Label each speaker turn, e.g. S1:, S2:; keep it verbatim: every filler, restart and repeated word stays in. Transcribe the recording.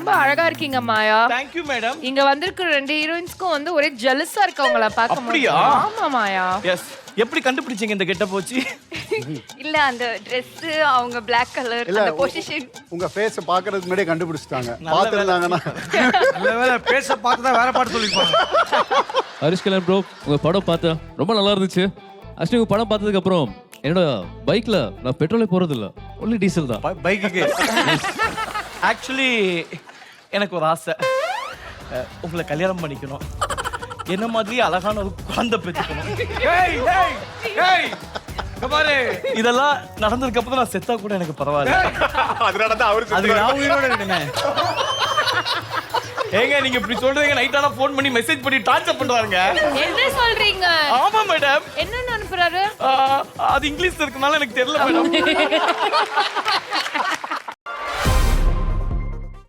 S1: ரொம்ப அழகா இருக்கீங்க மாயா.
S2: Thank you madam.
S1: இங்க வந்திருக்கிற ரெண்டு ஹீரோயின்ஸ்க்கும் வந்து ஒரே ஜெலஸா இருக்கு அவங்கள பார்க்கும்போது.
S2: அப்படியா?
S1: ஆமா மாயா.
S2: எஸ். எப்படி கண்டுபிடிச்சீங்க இந்த கெட்ட போச்சு?
S3: இல்ல அந்த Dress அவங்க Black கலர் அந்த பொசிஷன்
S4: உங்க ஃபேஸ் பாக்குறதுக்கு முன்னாடியே கண்டுபிடிச்சிட்டாங்க.
S2: நல்ல
S4: பாத்துறாங்கன்னா
S5: நல்ல வேளை பேச பார்த்து தான் வேற பாட்டு சொல்லிருப்பாங்க.
S6: ஹரிஷ் கல்யாண் ப்ரோ, உங்க படம் பார்த்தேன், ரொம்ப நல்லா இருந்துச்சு. ஆக்சுவலி உங்க படம் பார்த்ததுக்கு அப்புறம் என்னோட பைக்ல நான் பெட்ரோலே போறது இல்ல, ஒன்லி டீசல் தான்.
S5: பைக்குக்கு
S2: ஆக்சுவலி எனக்கு ஒரு ஆசை, அஹ், உங்களை கல்யாணம் பண்ணிக்கணும், என்ன மாதிரி அழகான ஒரு குழந்தை பெற்றுக்கணும்.
S5: ஏய் ஏய் ஏய் இங்க பாரு,
S2: இதெல்லாம் நடந்ததுக்கு அப்புறம் நான் செத்தா கூட எனக்கு பரவாயில்ல.
S4: அதனால தான் அவரு
S5: அது நான் உயிரோட இருக்கேன்.
S2: ஏங்க நீங்க இப்படி சொல்றீங்க, நைட் ஆனா ஃபோன் பண்ணி மெசேஜ் பண்ணி டார்ச்சர் பண்றாங்க.
S1: என்ன சொல்றீங்க?
S2: ஆமா மேடம்.
S1: என்னன்னு அனுப்புறாரு?
S2: அது இங்கிலீஷ்ல இருக்கனால எனக்கு தெரியல மேடம்.